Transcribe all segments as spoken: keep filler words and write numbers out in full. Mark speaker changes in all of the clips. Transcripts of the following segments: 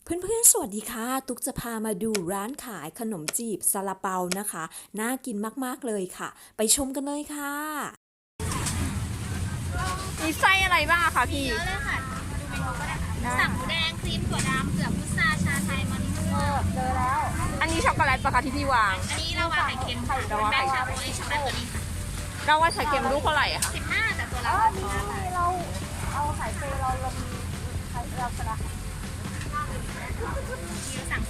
Speaker 1: เพื่อนๆสวัสดีค่ะตุ๊กจะพามาดูร้านขายขนมจีบซาลาเปานะคะน่ากินมากๆเลยค่ะไปชมกันเลยค่ะ
Speaker 2: มีไส้อะไรบ้างอะคะพี่
Speaker 3: เยอะเลยค่ะดูเมนูก็ได้ค่ะสั่งหมูแดงครีมถั่วดำเผือกพุทราชาไทยมันม่วงเจอแล้ว
Speaker 2: อันนี้ช็อกโกแลตปะคะที่พี่วาง
Speaker 3: อันนี้เราวางไข่เค็มค่ะแบล็คชาโคช็อกโกแลตตัวนี้ค่ะ
Speaker 2: เราว่าไข่เค็มลูกเท่าไหร่อะคะ
Speaker 3: สิบห้าแต่ตัวละสิบห้าบาทเราเอาไข่เฟเราเรามีไข่เราสละที่สั่ง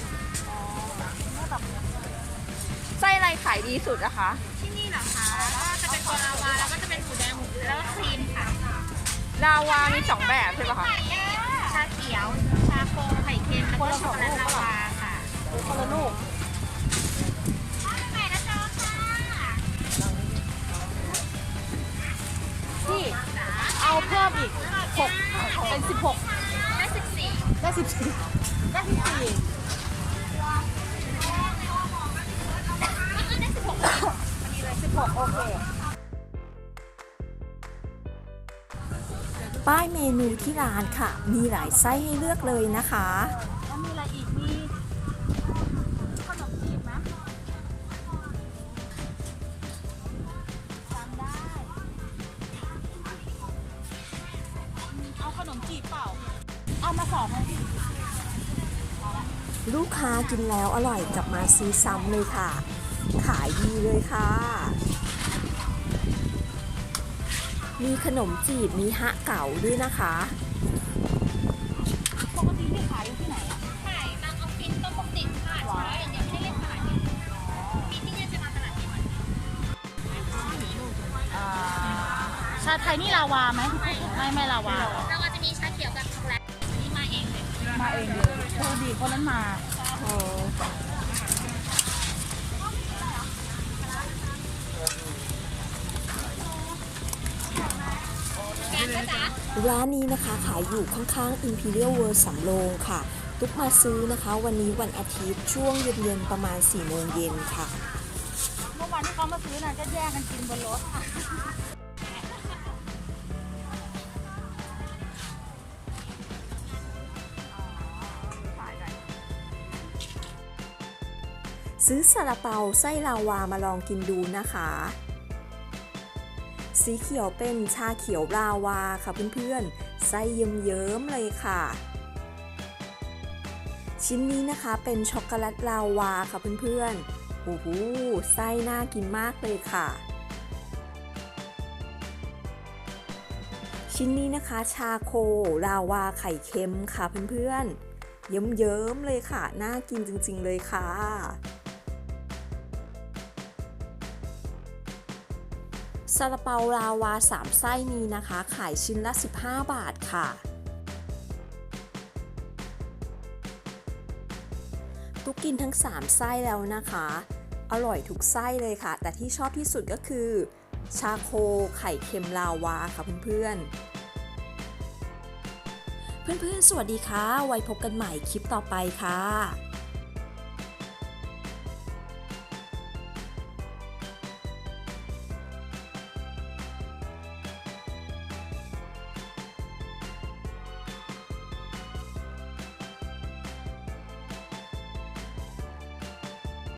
Speaker 2: ไส้อะไรขายดีสุดอะคะ
Speaker 3: ที่นี่เหรอคะก็จะเป็นตัวลาวาแล้วก็จะเป็นหมูแดงหมูแล้วก็ครีมค่ะ
Speaker 2: ลาวามีสองแบบใช่ปะคะ
Speaker 3: ชาเขียวชาโคไข่เค็มแล้วก็ช็อกโกแลตลาวาค่ะคนละลูก
Speaker 2: พี่เอาเพิ่มอีกหกเป็นสิบหก
Speaker 3: ได้สิบสี่
Speaker 2: ได้สิบสี่ได้สิบสี่
Speaker 3: ได้สิบหกพอดีเลยสิบหกโอเค
Speaker 1: ป้ายเมนูที่ร้านค่ะมีหลายไส้ให้เลือกเลยนะคะ
Speaker 3: แล้วมีอะไรอีกมีขนมจีบไหมจำได้เอาขนมจีบเปล่าเอามาสองเลย
Speaker 1: ลูกค้ากินแล้วอร่อยกลับมาซื้อซ้ำเลยค่ะ ขายดีเลยค่ะ มีขนมจีบมีฮะเก๋าด้วยนะคะ
Speaker 3: ปกติที่ขายอยู่ที่ไหนอ่ะขายบางออฟฟิศต้นปกติค่ะเช้าอย่างเดียวไม่ได้เล่นตลาดมีที่เนี่ยจะมาตลาดนี้ไหมชาไทยนี่ลาวาไหมไม่ไม่ลาวาลาวาจะมีชาเขียวกับช็อกโกแลตนี่มาเองเลยมาเองเลยโชดีคนนั้นมาโอ้
Speaker 1: ร้านนี้นะคะขายอยู่ข้างๆ Imperial World สำโรงค่ะ ตุ๊กมาซื้อนะคะวันนี้วันอาทิตย์ช่วงเย็นๆประมาณสี่โมงเย็นค่ะ
Speaker 3: เมื่อวานที่เขามาซื้อน่ะก็แย่งกันกินบนรถ
Speaker 1: ซื้อซาลาเปาไส้ลาวามาลองกินดูนะคะ สีเขียวเป็นชาเขียวลาวาค่ะเพื่อนๆไส้เยิ้มๆเลยค่ะ ชิ้นนี้นะคะเป็นช็อกโกแลตลาวาค่ะเพื่อนๆโอ้โหไส้น่ากินมากเลยค่ะ ชิ้นนี้นะคะชาโคลาวาไข่เค็มค่ะเพื่อนๆเยิ้มๆเลยค่ะน่ากินจริงๆเลยค่ะซาลาเปาลาวาสามไส้นี้นะคะขายชิ้นละสิบห้าบาทค่ะตุ๊กกินทั้งสามไส้แล้วนะคะอร่อยทุกไส้เลยค่ะแต่ที่ชอบที่สุดก็คือชาโคไข่เค็มลาวาค่ะเพื่อนๆเพื่อนๆสวัสดีค่ะไว้พบกันใหม่คลิปต่อไปค่ะ